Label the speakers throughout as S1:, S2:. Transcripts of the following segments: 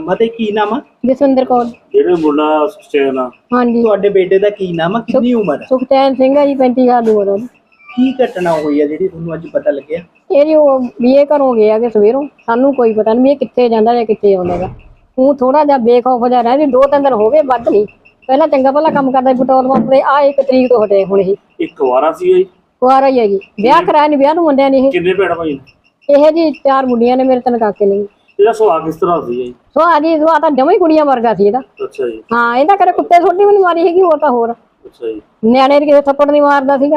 S1: ਮਤੇ ਕੀ ਨਾਮ ਆ?
S2: ਜਸਵਿੰਦਰ ਕੌਰ।
S3: ਜਿਹੜੇ ਮੁੰਡਾ ਸੁਖਚੈਨ ਆ,
S2: ਹਾਂਜੀ।
S1: ਤੁਹਾਡੇ ਬੇਟੇ ਦਾ ਕੀ ਨਾਮ ਆ? ਕਿੰਨੀ ਉਮਰ ਆ?
S2: ਸੁਖਚੈਨ ਸਿੰਘ ਹੈ ਜੀ, 35 ਸਾਲ ਦੀ ਉਮਰ ਉਹਦੀ।
S1: ਕੀ ਘਟਨਾ ਹੋਈ ਆ ਜਿਹੜੀ ਤੁਹਾਨੂੰ ਅੱਜ ਪਤਾ ਲੱਗਿਆ?
S2: ਇਹ ਜੀ ਉਹ ਬੀਏ ਘਰੋਂ ਗਿਆ ਕਿ ਸਵੇਰੋਂ, ਸਾਨੂੰ ਕੋਈ ਪਤਾ ਨਹੀਂ ਵੀ ਇਹ ਕਿੱਥੇ ਜਾਂਦਾ ਜਾਂ ਕਿੱਥੇ ਆਉਂਦਾ ਗਾ। ਉਹ ਥੋੜਾ ਜਿਹਾ ਬੇਖੌਫ ਜਿਹਾ ਰਹਿ ਵੀ 2-3 ਦਿਨ ਹੋ ਗਏ, ਵੱਧ ਨਹੀਂ। ਪਹਿਲਾਂ ਚੰਗਾ ਭਲਾ ਕੰਮ ਕਰਦਾ ਪੈਟਰੋਲ ਪੰਪ ਤੇ, ਆ 1 ਤਰੀਕ ਤੋਂ ਹਟੇ ਹੁਣ। ਇਹ
S3: ਇੱਕ ਵਾਰਾ ਸੀ ਜੀ,
S2: ਕੁਆਰਾ ਹੀ ਹੈ ਜੀ, ਵਿਆਹ ਕਰਾਇਆ ਨਹੀਂ, ਵਿਆਹ ਨੂੰ ਮੁੰਡਿਆਂ ਨੇ।
S3: ਕਿੰਨੇ ਭੈਣ ਭਾਈ?
S2: ਇਹ ਜੀ 4 ਮੁੰਡੀਆਂ ਨੇ, ਮੇਰੇ 3 ਕਾਕੇ ਨੇ।
S3: ਇਹਦਾ ਸੁਭਾਅ ਕਿਸ ਤਰ੍ਹਾਂ ਸੀ ਜੀ?
S2: ਸੁਭਾਅ ਤਾਂ ਜਮਾਂ ਹੀ ਕੁੜੀਆਂ ਵਰਗਾ ਸੀ ਇਹਦਾ।
S3: ਅੱਛਾ ਜੀ।
S2: ਹਾਂ, ਇਹਦਾ ਕਦੇ ਕੁੱਤੇ ਛੋਟੀ ਵੀ ਨਹੀਂ ਮਾਰੀ ਹੈਗੀ, ਹੋਰ ਤਾਂ ਹੋਰ।
S3: ਅੱਛਾ ਜੀ।
S2: ਨਿਆਣੇ ਦੇ ਕਿਸੇ ਥੱਪੜ ਨਹੀਂ ਮਾਰਦਾ ਸੀਗਾ।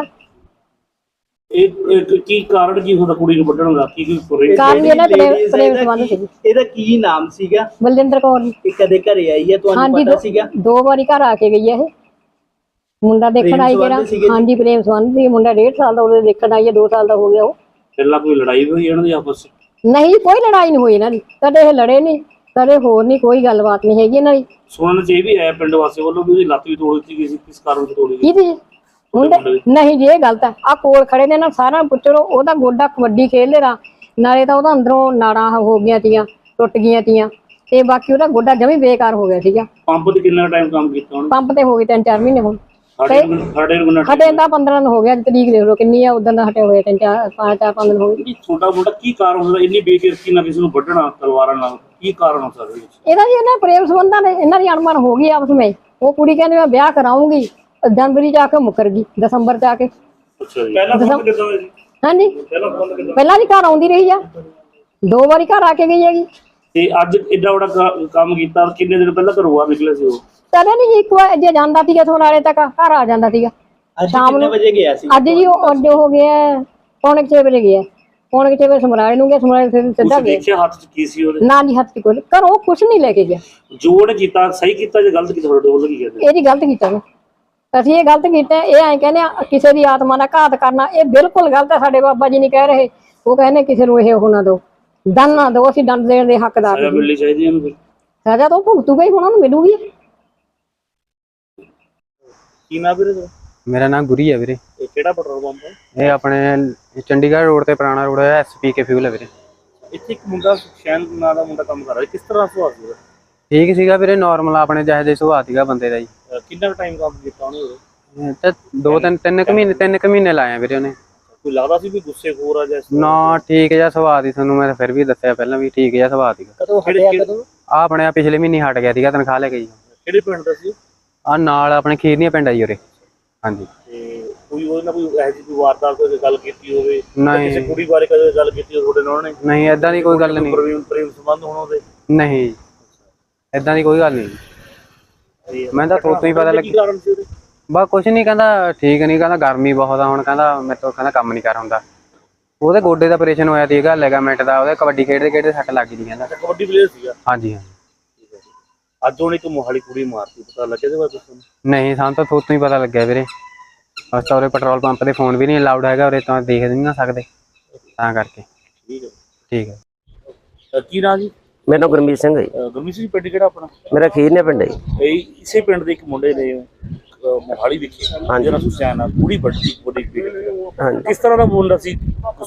S3: ਇਹ ਕੀ ਕਾਰਨ ਕੀ ਹੁੰਦਾ ਕੁੜੀ ਨੂੰ ਵੱਢਣ ਦਾ? ਕੀ
S2: ਕਾਰਨ ਇਹਨਾਂ ਪ੍ਰੇਮ ਸੰਬੰਧ ਸੀ।
S1: ਇਹਦਾ ਕੀ ਨਾਮ ਸੀਗਾ?
S2: ਬਲਜਿੰਦਰ ਕੌਰ ਜੀ।
S1: ਇਹ ਕਦੇ ਘਰੇ ਆਈ ਹੈ, ਤੁਹਾਨੂੰ ਪਤਾ ਸੀਗਾ?
S2: 2 ਵਾਰੀ ਘਰ ਆ ਕੇ ਗਈ ਹੈ ਇਹ। ਮੁੰਡਾ ਦੇਖਣ ਆਈ ਜਿਹੜਾ। ਹਾਂਜੀ, ਪ੍ਰੇਮ ਸੰਬੰਧ ਸੀ। ਮੁੰਡਾ 1.5 ਸਾਲ ਦਾ ਉਹਦੇ ਦੇਖਣ ਆਈ ਹੈ, 2 ਸਾਲ ਦਾ ਹੋ ਗਿਆ। ਉਹ
S3: ਪਹਿਲਾਂ ਕੋਈ ਲੜਾਈ ਹੋਈ ਇਹਨਾਂ ਦੀ ਆਪਸ?
S2: ਨਹੀਂ, ਕੋਈ ਲੜਾਈ ਨਹੀਂ ਹੋਈ ਇਹਨਾਂ ਦੀ, ਕਦੇ ਇਹ ਲੜੇ ਨਹੀਂ, ਕਦੇ ਹੋਰ ਨਹੀਂ, ਕੋਈ ਗੱਲਬਾਤ ਨਹੀਂ ਹੈਗੀ ਇਹਨਾਂ ਦੀ।
S3: ਸੁਣਨ ਚ ਇਹ ਵੀ ਆਇਆ ਪਿੰਡ ਵਾਸੀਆਂ ਵੱਲੋਂ ਵੀ ਉਹਦੀ ਲੱਤ ਵੀ ਤੋੜ ਦਿੱਤੀ ਗਈ ਸੀ, ਕਿਸ ਕਾਰਨ ਤੋਂ ਤੋੜੀ ਗਈ?
S2: ਕੀ ਮੁੰਡੇ? ਨਹੀਂ ਜੀ, ਇਹ ਗਲਤ ਹੈ। ਆ ਕੋਲ ਖੜੇ ਨੇ ਨਾ, ਸਾਰਾ ਪੁੱਛੋ। ਉਹਦਾ ਗੋਡਾ ਕਬੱਡੀ ਖੇਡਦੇ ਰਾ, ਨਾਲੇ ਤਾਂ ਉਹਦਾ ਅੰਦਰੋਂ ਨਾੜਾਂ ਹੋ ਗਈਆਂ ਤੀਆਂ, ਟੁੱਟ ਗਈਆਂ ਤੀਆਂ, ਤੇ ਬਾਕੀ ਉਹਦਾ ਗੋਡਾ ਜਮੀ ਬੇਕਾਰ ਹੋ ਗਿਆ ਸੀਗਾ।
S3: ਪੰਪ ਤੇ ਕਿੰਨਾ ਟਾਈਮ ਕੰਮ ਕੀਤਾ ਉਹਨੇ?
S2: ਪੰਪ ਤੇ ਹੋ ਗਏ 3-4 ਮਹੀਨੇ ਹੁਣ।
S3: ਸਾਡੇ
S2: ਹਟੇ ਤਾਂ 15 ਦਿਨ ਹੋ ਗਿਆ, ਤਰੀਕ ਦੇਖ ਲਓ ਕਿੰਨੀ ਆ, ਉਦੋਂ ਦਾ ਹਟੇ ਹੋਏ 5-4 ਦਿਨ ਹੋ ਗਏ।
S3: ਛੋਟਾ ਮੁੰਡਾ ਕੀ ਕਾਰਨ ਹੁੰਦਾ ਇੰਨੀ ਬੇਕਿਰਕੀ ਨਾਲ ਕਿਸੇ ਨੂੰ ਵੱਢਣਾ ਤਲਵਾਰਾਂ ਨਾਲ? ਕੀ ਕਾਰਨ ਹੋ ਸਕਦਾ
S2: ਇਹਦਾ ਜੀ? ਇਹਨਾਂ ਪ੍ਰੇਮ ਸੰਬੰਧਾਂ ਨੇ, ਇਹਨਾਂ ਦੀ ਅਣਮਨ ਹੋ ਗਈ ਆਪਸ ਵਿੱਚ। ਉਹ ਕੁੜੀ ਕਹਿੰਦੀ ਮੈਂ ਵਿਆਹ ਕਰਾਉਂਗੀ, ਜਨਵਰੀ ਚ ਆ ਕੇ ਮੁੱਕਰ ਗਈ, ਦਸੰਬਰ ਚ ਆ ਕੇ।
S3: ਅੱਛਾ ਜੀ। ਪਹਿਲਾਂ ਫੋਨ ਕਿੱਦਾਂ ਹੋਇਆ ਜੀ?
S2: ਹਾਂਜੀ, ਪਹਿਲਾਂ ਵੀ ਘਰ ਆਉਂਦੀ ਰਹੀ ਆ, 2 ਵਾਰੀ ਘਰ ਆ ਕੇ ਗਈ ਹੈਗੀ।
S3: ਤੇ ਅੱਜ ਏਡਾ ਵੱਡਾ ਕੰਮ ਕੀਤਾ, ਕਿੰਨੇ ਦਿਨ ਪਹਿਲਾਂ ਘਰੋਂ ਬਾਹਰ ਨਿਕਲੇ ਸੀ ਉਹ?
S2: ਕਦੇ ਨਹੀਂ ਜੀ, ਇੱਕ ਵਾਰ ਜੇ ਜਾਂਦਾ ਸੀਗਾ ਥੋੜਾਲੇ ਤੱਕ ਘਰ ਆ ਜਾਂਦਾ ਸੀਗਾ।
S1: ਸ਼ਾਮ ਨੂੰ ਵਜੇ ਗਿਆ ਸੀ?
S2: ਅੱਜ ਜੀ ਉਹ ਅੱਡੇ ਹੋ ਗਿਆ 6:45 ਵਜੇ ਗਿਆ। 6:45 ਵਜੇ ਸਮਰਾਲੇ ਨੂੰ ਗਿਆ, ਸਮਰਾਲੇ ਫਿਰ ਸਿੱਧਾ ਗਿਆ।
S3: ਦੇਖਿਆ ਹੱਥ ਚ ਕੀ ਸੀ ਉਹਦੇ?
S2: ਨਾ ਜੀ, ਹੱਥ ਚ ਕੋਈ ਘਰੋਂ ਕੁਛ ਨਹੀਂ ਲੈ ਕੇ ਗਿਆ।
S3: ਜੋੜ ਕੀਤਾ, ਸਹੀ ਕੀਤਾ ਜਾਂ ਗਲਤ ਕੀਤਾ? ਤੁਹਾਡੇ ਵੱਲੋਂ ਕੀ ਕਹਿੰਦੇ?
S2: ਇਹ ਜੀ ਗਲਤ ਕੀਤਾ ਵਾ। ਅਸੀਂ ਇਹ ਗਲਤ ਕੀਤਾ। ਇਹ ਐਂ ਕਹਿੰਦੇ ਆ ਕਿਸੇ ਦੀ ਆਤਮਾ ਦਾ ਘਾਤ ਕਰਨਾ, ਇਹ ਬਿਲਕੁਲ ਗਲਤ ਹੈ। ਸਾਡੇ ਬਾਬਾ ਜੀ ਨਹੀਂ ਕਹਿ ਰਹੇ, ਉਹ ਕਹਿੰਦੇ ਕਿਸੇ ਨੂੰ ਇਹ ਉਹ ਨਾ ਦਿਓ, ਦੰਡ ਨਾ ਦਿਓ, ਅਸੀਂ ਦੰਡ ਦੇਣ ਦੇ ਹੱਕਦਾਰ।
S3: ਸਜ਼ਾ ਮਿਲਣੀ ਚਾਹੀਦੀ ਇਹਨੂੰ। ਫਿਰ
S2: ਸਜ਼ਾ ਤਾਂ ਉਹ ਭੁਗਤੂਗਾ ਹੀ, ਹੁਣ ਉਹਨੂੰ ਮਿਲੂਗੀ।
S3: ਕੀ ਨਾਮ ਵੀਰੇ?
S4: ਮੇਰਾ ਨਾਮ ਗੁਰੀ ਹੈ ਵੀਰੇ।
S3: ਇਹ ਕਿਹੜਾ ਪੈਟਰੋਲ ਪੰਪ ਹੈ?
S4: ਇਹ ਆਪਣੇ ਚੰਡੀਗੜ੍ਹ ਰੋਡ ਤੇ ਪੁਰਾਣਾ ਰੋਡ ਹੈ, SPK ਫਿਊਲ ਹੈ ਵੀਰੇ।
S3: ਇੱਥੇ ਇੱਕ ਮੁੰਡਾ ਸੁਖਚੈਨ ਨਾਂ ਦਾ ਮੁੰਡਾ ਕੰਮ ਕਰ ਰਿਹਾ, ਕਿਸ ਤਰ੍ਹਾਂ ਸੁਭਾਅ ਸੀ ਉਹਦਾ?
S4: ਠੀਕ ਸੀਗਾ ਵੀਰੇ, ਨਾਰਮਲ ਆਪਣੇ ਜਿਹੇ ਜਿਹੇ ਸੁਭਾਅ ਸੀਗਾ ਬੰਦੇ ਦਾ ਜੀ।
S3: ਕਿੰਨਾ ਟਾਈਮ ਕੰਮ ਕੀਤਾ ਉਹਨੇ?
S4: ਤੇ 3 ਕੁ ਮਹੀਨੇ ਲਾਏ ਵੀਰੇ ਉਹਨੇ।
S3: ਕੋਈ ਲੱਗਦਾ ਸੀ ਵੀ ਗੁੱਸੇਖੋਰ ਆ ਜਾਂ?
S4: ਨਾ, ਠੀਕ ਜਿਹਾ ਸੁਭਾਅ ਸੀ। ਤੁਹਾਨੂੰ ਮੈਂ ਫਿਰ ਵੀ ਦੱਸਿਆ ਪਹਿਲਾਂ ਵੀ ਠੀਕ ਜਿਹਾ ਸੁਭਾਅ ਸੀਗਾ।
S2: ਕਦੋਂ ਹਟਿਆ? ਕਦੋਂ?
S4: ਆ ਆਪਣੇ ਪਿਛਲੇ ਮਹੀਨੇ ਹਟ ਗਿਆ ਸੀਗਾ, ਤਨਖਾਹ ਲੈ ਕੇ ਜੀ।
S3: ਕਿਹੜੇ ਪਿੰਡ ਦਾ ਸੀ?
S4: ਆ ਨਾਲ ਆਪਣੇ ਖੀਰਨੀਆਂ ਪਿੰਡ ਆ ਜੀ ਉਰੇ। ਹਾਂਜੀ।
S3: ਤੇ ਕੋਈ ਉਹਦੇ ਨਾਲ ਕੋਈ ਇਹੋ ਜਿਹੀ ਕੋਈ ਵਾਰਦਾਤ ਕੋਈ ਗੱਲ ਕੀਤੀ ਹੋਵੇ?
S4: ਨਹੀਂ।
S3: ਕਿਸੇ ਕੁੜੀ ਬਾਰੇ ਕਦੇ ਗੱਲ ਕੀਤੀ ਹੋਵੇ ਤੁਹਾਡੇ ਨਾਲ ਉਹਨੇ?
S4: ਨਹੀਂ, ਏਦਾਂ ਦੀ ਕੋਈ ਗੱਲ ਨਹੀਂ।
S3: ਪ੍ਰੇਮ ਸੰਬੰਧ ਹੋਣ ਉਹਦੇ?
S4: ਨਹੀਂ, ਏਦਾਂ ਦੀ ਕੋਈ ਗੱਲ ਨਹੀਂ। ਮੈਂ ਤਾਂ ਤੋਂ ਹੀ ਪਤਾ
S3: ਕੀ ਕਾਰਨ ਸੀ ਉਹਦੇ?
S4: ਬਸ ਕੁਛ ਨਹੀਂ, ਕਹਿੰਦਾ ਠੀਕ ਨਹੀਂ, ਕਹਿੰਦਾ ਗਰਮੀ ਬਹੁਤ ਆ, ਹੁਣ ਕਹਿੰਦਾ ਮੇਰੇ ਤੋਂ ਕਹਿੰਦਾ ਕੰਮ ਨਹੀਂ ਕਰ ਹੁੰਦਾ। ਉਹਦੇ ਗੋਡੇ ਦਾ ਆਪਰੇਸ਼ਨ ਹੋਇਆ ਸੀਗਾ, ਲਿਗਾਮੈਂਟ ਦਾ। ਉਹਦੇ ਕਬੱਡੀ ਖੇਡਦੇ ਸੱਟ ਲੱਗ ਗਈ ਕਹਿੰਦਾ।
S3: ਕਬੱਡੀ ਪਲੇਅਰ ਸੀਗਾ?
S4: ਹਾਂਜੀ ਹਾਂ।
S3: ਅੱਜ ਉਹਨੇ ਇੱਕ ਮੋਹਾਲੀ ਕੁੜੀ ਮਾਰਤੀ, ਪਤਾ ਲੱਗਿਆ ਇਹਦੇ ਬਾਰੇ ਤੁਹਾਨੂੰ?
S4: ਨਹੀਂ, ਸਾਨੂੰ ਤਾਂ ਤੋਂ ਹੀ ਪਤਾ ਲੱਗਿਆ ਵੀਰੇ। ਬਸ ਤਾਂ ਉਰੇ ਪੈਟਰੋਲ ਪੰਪ ਤੇ ਫੋਨ ਵੀ ਨਹੀਂ ਅਲਾਉਡ ਹੈਗਾ ਉਰੇ, ਤਾਂ ਦੇਖ ਨਹੀਂ ਨਾ ਸਕਦੇ, ਤਾਂ ਕਰਕੇ।
S3: ਠੀਕ ਹੈ।
S4: ਠੀਕ ਹੈ।
S3: ਕੀ ਨਾਂ ਜੀ?
S5: ਮੇਰਾ ਨਾਮ ਗੁਰਮੀਤ ਸਿੰਘ ਹੈ ਜੀ।
S3: ਗੁਰਮੀਤ ਸਿੰਘ, ਪਿੰਡ ਕਿਹੜਾ ਆਪਣਾ?
S5: ਮੇਰਾ ਖੀਰਨੇ ਪਿੰਡ ਹੈ ਜੀ।
S3: ਇਹ ਇਸੇ ਪਿੰਡ ਦੇ ਇੱਕ ਮੁੰਡੇ ਨੇ ਮੋਹਾਲੀ ਵਿਖੇ ਜਿਹੜਾ ਸੁਖਚੈਨ ਆ ਕੁੜੀ ਵੱਡੀ।
S5: ਹਾਂਜੀ।
S3: ਕਿਸ ਤਰ੍ਹਾਂ ਦਾ ਮੁੰਡਾ ਸੀ?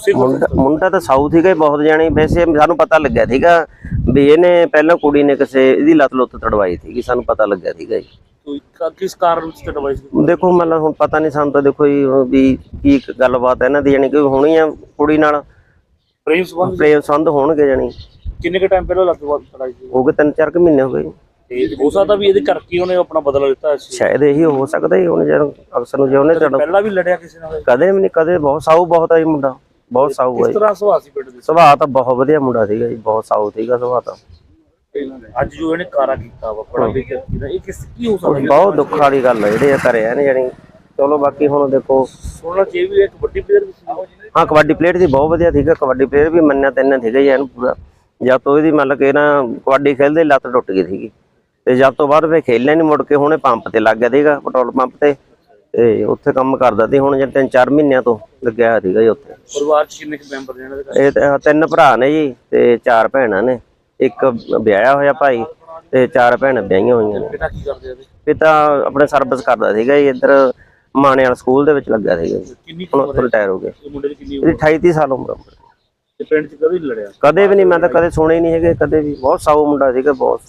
S5: ਮੁੰਡਾ ਤਾਂ ਸਾਊਥ ਸੀਗਾ ਬਹੁਤ ਜਾਣੀ। ਵੈਸੇ ਸਾਨੂੰ ਪਤਾ ਲੱਗਿਆ ਸੀਗਾ ਵੀ ਇਹਨੇ ਪਹਿਲਾਂ ਕੁੜੀ ਨੇ ਕਿਸੇ ਇਹਦੀ ਲੱਤ ਲੁੱਤ ਤੜਵਾਈ ਸੀਗੀ, ਸਾਨੂੰ ਪਤਾ ਲੱਗਿਆ ਸੀਗਾ ਜੀ।
S3: ਕਿਸ ਕਾਰਨ ਚ ਤੜਵਾਈ ਸੀ?
S5: ਦੇਖੋ ਮਤਲਬ ਹੁਣ ਪਤਾ ਨਹੀਂ ਸਾਨੂੰ ਤਾਂ, ਦੇਖੋ ਜੀ ਵੀ ਕੀ ਗੱਲਬਾਤ ਇਹਨਾਂ ਦੀ, ਜਾਣੀ ਕਿ ਹੋਣੀ ਆ ਕੁੜੀ ਨਾਲ
S3: ਪ੍ਰੇਮ
S5: ਸੰਬੰਧ ਹੋਣਗੇ। ਜਾਣੀ
S3: ਕਿੰਨੇ ਕੁ ਟਾਈਮ ਪਹਿਲਾਂ ਲੱਤ ਤੜਾਈ ਸੀ?
S5: ਹੋ ਗਏ 3-4 ਕੁ ਮਹੀਨੇ ਹੋ ਗਏ।
S3: ਤੇ ਹੋ ਸਕਦਾ ਵੀ ਇਹਦੇ ਕਰਕੇ ਉਹਨੇ ਆਪਣਾ ਬਦਲਾ ਲਿੱਤਾ।
S5: ਸ਼ਾਇਦ ਇਹੀ ਹੋ ਸਕਦਾ ਹੀ। ਹੁਣ ਜਦੋਂ ਅਕਸਰ ਨੂੰ ਜੇ ਉਹਨੇ
S3: ਪਹਿਲਾਂ ਵੀ ਲੜਿਆ ਕਿਸੇ ਨਾਲ?
S5: ਕਦੇ ਵੀ ਨਹੀਂ, ਕਦੇ। ਬਹੁਤ ਸਾਊ ਬਹੁਤ ਆ ਜੀ ਮੁੰਡਾ, ਬਹੁਤ ਸਾਊ ਹੈ।
S3: ਕਿਸ ਤਰ੍ਹਾਂ ਸੁਭਾਅ ਸੀ ਪਿੰਡ ਦੇ?
S5: ਸੁਭਾਅ ਤਾਂ ਬਹੁਤ ਵਧੀਆ ਮੁੰਡਾ ਸੀਗਾ ਜੀ, ਬਹੁਤ ਸਾਊ ਸੀਗਾ ਸੁਭਾਅ ਤਾਂ।
S3: ਅੱਜ ਜੋ ਇਹਨੇ ਕਾਰਾ ਕੀਤਾ ਵਾ ਬੜਾ ਬੇਇੱਜ਼ਤੀ ਦਾ, ਇਹ ਕੀ ਹੋ ਸਕਦਾ?
S5: ਬਹੁਤ ਦੁੱਖ ਵਾਲੀ ਗੱਲ ਹੈ ਜਿਹੜੇ ਕਰਿਆ ਨੇ ਜਾਣੀ। ਚਲੋ ਬਾਕੀ ਹੁਣ ਦੇਖੋ,
S3: ਸੁਣਨਾ ਚਾਹੀਦਾ ਵੀ ਇੱਕ ਵੱਡੀ ਪਲੇਅਰ ਵੀ ਸੀ।
S5: ਹਾਂ, ਕਬੱਡੀ ਪਲੇਅਰ ਦੀ ਬਹੁਤ ਵਧੀਆ ਸੀਗਾ। ਕਬੱਡੀ ਪਲੇਅਰ ਵੀ ਮੰਨਿਆ ਤੈਨਾਂ ਸੀਗਾ ਜੀ ਇਹਨੂੰ ਪੂਰਾ। ਜਦ ਤੋਂ ਇਹਦੀ ਮਤਲਬ ਕਿ ਨਾ ਕਬੱਡੀ ਖੇਲਦੇ ਲੱਤ ਟੁੱਟ ਗਈ ਸੀਗੀ, ਤੇ ਜਦ ਤੋਂ ਬਾਅਦ ਫਿਰ ਖੇਲਿਆ ਨਹੀਂ ਮੁੜ ਕੇ। ਹੁਣੇ ਪੰਪ ਤੇ ਲੱਗ ਗਿਆ ਸੀਗਾ, ਪੈਟਰੋਲ ਪੰਪ ਤੇ ਉੱਥੇ ਕੰਮ ਕਰਦਾ ਸੀ। ਹੁਣ ਜੇ 3-4 ਮਹੀਨਿਆਂ ਤੋਂ ਲੱਗਿਆ ਸੀਗਾ ਜੀ ਉੱਥੇ।
S3: ਪਰਿਵਾਰ ਚ ਕਿੰਨੇ ਮੈਂਬਰ ਨੇ ਇਹਨਾਂ ਦੇ?
S5: ਇਹ 3 ਭਰਾ ਨੇ ਜੀ ਤੇ 4 ਭੈਣਾਂ ਨੇ। ਇੱਕ ਵਿਆਹਿਆ ਹੋਇਆ ਭਾਈ ਤੇ 4 ਭੈਣਾਂ ਵਿਆਹੀਆਂ ਹੋਈਆਂ ਨੇ।
S3: ਪਿਤਾ ਕੀ ਕਰਦੇ ਆ?
S5: ਪਿਤਾ ਆਪਣੇ ਸਰਵਿਸ ਕਰਦਾ ਸੀਗਾ ਜੀ, ਇੱਧਰ ਮਾਣੇ ਵਾਲਾ ਸਕੂਲ ਦੇ ਵਿੱਚ ਲੱਗਾ ਸੀਗਾ।
S3: ਕਿੰਨੀ
S5: ਹੁਣ ਰਿਟਾਇਰ ਹੋ ਗਿਆ।
S3: ਮੁੰਡੇ ਦੀ ਕਿੰਨੀ?
S5: ਇਹਦੀ 28-30 ਸਾਲ ਉਮਰ।
S3: ਤੇ ਪਿੰਡ 'ਚ ਕਦੇ ਨਹੀਂ ਲੜਿਆ?
S5: ਕਦੇ ਵੀ ਨਹੀਂ, ਮੈਂ ਤਾਂ ਕਦੇ ਸੁਣੇ ਹੀ ਨਹੀਂ ਹੈਗੇ ਕਦੇ ਵੀ। ਬਹੁਤ ਸਾਊ ਮੁੰਡਾ ਸੀਗਾ ਬਹੁਤ।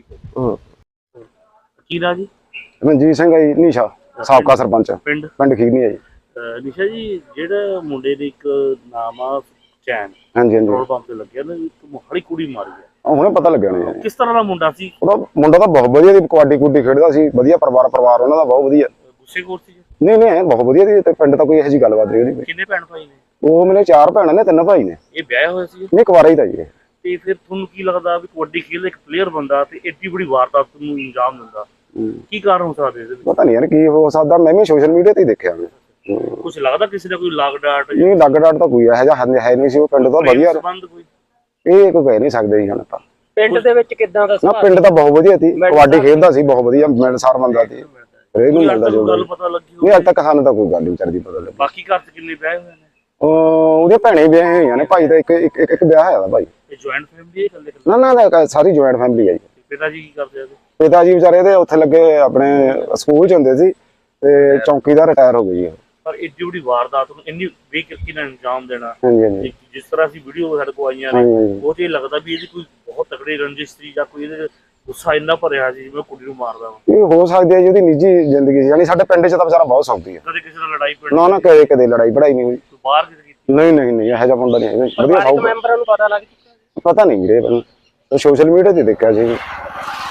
S3: ਕੀ ਨਾਂ ਜੀ?
S6: ਮਨਜੀਤ ਸਿੰਘ ਹੈ ਜੀ, ਨੀਸ਼ਾ ਸਾਬਕਾ ਸਰਪੰਚ
S3: ਪਿੰਡ
S6: ਪਿੰਡ ਖੀਰਨੀ ਹੈ ਜੀ।
S3: ਨਿਸ਼ਾ ਜੀ, ਜਿਹੜਾ ਮੁੰਡੇ ਦੇ ਇੱਕ ਨਾਮ ਆ ਚੈਨ,
S6: ਹਾਂਜੀ ਹਾਂਜੀ,
S3: ਪੈਟਰੋਲ ਪੰਪ ਤੇ ਲੱਗਿਆ ਨਾ, ਇੱਕ ਮੋਹਾਲੀ ਕੁੜੀ ਮਾਰੀ ਹੈ,
S6: ਹੁਣੇ ਪਤਾ ਲੱਗਿਆ ਨਾ ਯਾਰ।
S3: ਕਿਸ ਤਰ੍ਹਾਂ ਦਾ ਮੁੰਡਾ ਸੀ?
S6: ਉਹਦਾ ਮੁੰਡਾ ਤਾਂ ਬਹੁਤ ਵਧੀਆ ਦੀ ਕਬੱਡੀ ਕੁੱਡੀ ਖੇਡਦਾ ਸੀ, ਵਧੀਆ ਪਰਿਵਾਰ ਉਹਨਾਂ ਦਾ ਬਹੁਤ ਵਧੀਆ।
S3: ਗੁੱਸੇਖੋਰ ਸੀ?
S6: ਨਹੀਂ ਬਹੁਤ ਵਧੀਆ ਦੀ, ਤੇ ਪਿੰਡ ਤਾਂ ਕੋਈ ਇਹੋ ਜਿਹੀ ਗੱਲਬਾਤ ਨਹੀਂ ਉਹਦੀ।
S3: ਕਿੰਨੇ ਭੈਣ ਭਾਈ ਨੇ?
S6: ਉਹ ਮੇਰੇ 4 ਭੈਣਾਂ ਨੇ, 3 ਭਾਈ ਨੇ।
S3: ਇਹ ਵਿਆਹ ਹੋਇਆ ਸੀ?
S6: ਨਹੀਂ, ਕੁਵਾਰਾ ਹੀ ਤਾਂ ਜੀ ਇਹ।
S3: ਤੇ ਫਿਰ ਤੁਹਾਨੂੰ ਕੀ ਲੱਗਦਾ ਵੀ ਕਬੱਡੀ ਖੇਡਦਾ ਇੱਕ ਪਲੇਅਰ ਬੰਦਾ ਤੇ ਏਡੀ ਬੜੀ ਵਾਰਦਾਤ ਨੂੰ ਅੰਜਾਮ ਦਿੰਦਾ, ਕੀ ਕਾਰਨ ਹੋ ਸਕਦਾ ਇਹਦੇ ਵਿੱਚ?
S6: ਪਤਾ ਨਹੀਂ ਯਾਰ ਕੀ ਹੋ ਸਕਦਾ, ਮੈਂ ਵੀ ਸੋਸ਼ਲ ਮੀਡੀਆ ਤੇ ਹੀ ਦੇਖਿਆ।
S3: ਕੁਝ ਲੱਗਦਾ ਕਿਸੇ ਦਾ ਕੋਈ ਲਾਗ ਡਾਟ?
S6: ਨਹੀਂ, ਲੱਗ ਡਾਟ ਤਾਂ ਕੋਈ ਇਹੋ ਜਿਹਾ ਹੈ ਨਹੀਂ ਸੀ। ਉਹ ਪਿੰਡ ਤਾਂ ਵਧੀਆ,
S3: ਸੰਬੰਧ ਕੋਈ
S6: ਇਹ ਕੋਈ ਕਹਿ ਨਹੀਂ ਸਕਦੇ ਜੀ ਹੁਣ ਤਾਂ।
S7: ਪਿੰਡ ਦੇ ਵਿੱਚ ਕਿੱਦਾਂ ਦਾ
S6: ਨਾ, ਪਿੰਡ ਤਾਂ ਬਹੁਤ ਵਧੀਆ ਸੀ, ਕਬੱਡੀ ਖੇਡਦਾ ਸੀ ਬਹੁਤ ਵਧੀਆ, ਮਿਲਣਸਾਰ ਬੰਦਾ ਸੀ। ਇਹਨੂੰ ਮਿਲਦਾ ਜੋ
S3: ਗੱਲ ਪਤਾ ਲੱਗੀ
S6: ਨਹੀਂ, ਅੱਜ ਤੱਕ ਸਾਨੂੰ ਤਾਂ ਕੋਈ ਗੱਲ ਨਹੀਂ ਵਿਚਾਰਦੀ ਪਤਾ ਲੱਗੀ।
S3: ਬਾਕੀ ਘਰ 'ਚ ਕਿੰਨੇ ਵਿਆਹ ਹੋਏ ਨੇ?
S6: ਉਹਦੇ ਭੈਣੇ ਵਿਆਹ ਹੋਈਆਂ ਨੇ, ਭਾਈ ਦਾ ਇੱਕ ਵਿਆਹ ਹੋਇਆ ਦਾ ਭਾਈ।
S3: ਇਹ ਜੁਆਇੰਟ ਫੈਮਿਲੀ ਹੈ ਇਕੱਲੇ?
S6: ਨਾ ਸਾਰੀ ਜੁਆਇੰਟ ਫੈਮਿਲੀ ਹੈ ਜੀ।
S3: ਪਿਤਾ ਜੀ ਕੀ ਕਰਦੇ ਆ?
S6: ਪਿਤਾ ਜੀ ਵਿਚਾਰੇ ਦੇ ਉੱਥੇ ਲੱਗੇ ਆਪਣੇ ਸਕੂਲ ਚ ਹੁੰਦੇ ਸੀ, ਤੇ ਚੌਂਕੀਦਾਰ ਰਿਟਾਇਰ ਹੋ ਗਈ ਹੈ।
S3: ਪਰ ਏਡੀ ਵੱਡੀ ਵਾਰਦਾਤ ਨੂੰ ਇੰਨੀ ਬੇਕਿਰਕੀ ਨਾਲ ਅੰਜਾਮ ਦੇਣਾ,
S6: ਹਾਂਜੀ ਹਾਂਜੀ
S3: ਜਿਸ ਤਰ੍ਹਾਂ ਅਸੀਂ ਵੀਡੀਓ ਸਾਡੇ ਕੋਲ ਆਈਆਂ ਨੇ, ਉਹ ਤੇ ਲੱਗਦਾ ਵੀ ਇਹਦੀ ਕੋਈ ਬਹੁਤ ਤਕੜੀ ਰੰਜਿਸ਼ ਸੀ ਜਾਂ ਕੋਈ ਇਹਦੇ ਗੁੱਸਾ ਇੰਨਾ ਭਰਿਆ ਸੀ ਜਿਵੇਂ ਕੁੜੀ ਨੂੰ ਮਾਰਦਾ ਵਾ।
S6: ਇਹ ਹੋ ਸਕਦੀ ਹੈ ਜੀ, ਉਹਦੀ ਨਿੱਜੀ ਜ਼ਿੰਦਗੀ ਸੀ। ਯਾਨੀ ਸਾਡੇ ਪਿੰਡ ਚ ਤਾਂ ਵਿਚਾਰਾ ਬਹੁਤ ਸੌਖੀ ਹੈ।
S3: ਕਦੇ ਕਿਸੇ ਨਾਲ ਲੜਾਈ ਪੜੀ?
S6: ਨਾ ਕਦੇ ਲੜਾਈ ਪੜਾਈ ਨਹੀਂ ਹੋਈ।
S3: ਬਾਹਰ ਕਿਤੇ ਕੀਤੀ?
S6: ਨਹੀਂ ਇਹੋ ਜਿਹਾ ਮੁੰਡਾ ਨਹੀਂ ਹੈਗਾ, ਵਧੀਆ ਸੌਖਾ।
S7: ਮੈਂਬਰਾਂ ਨੂੰ ਪਤਾ ਲੱਗ ਚੁੱਕਾ?
S6: ਪਤਾ ਨਹੀਂ ਵੀਰੇ, ਸੋਸ਼ਲ ਮੀਡੀਆ ਤੇ ਦੇਖਿਆ ਸੀ।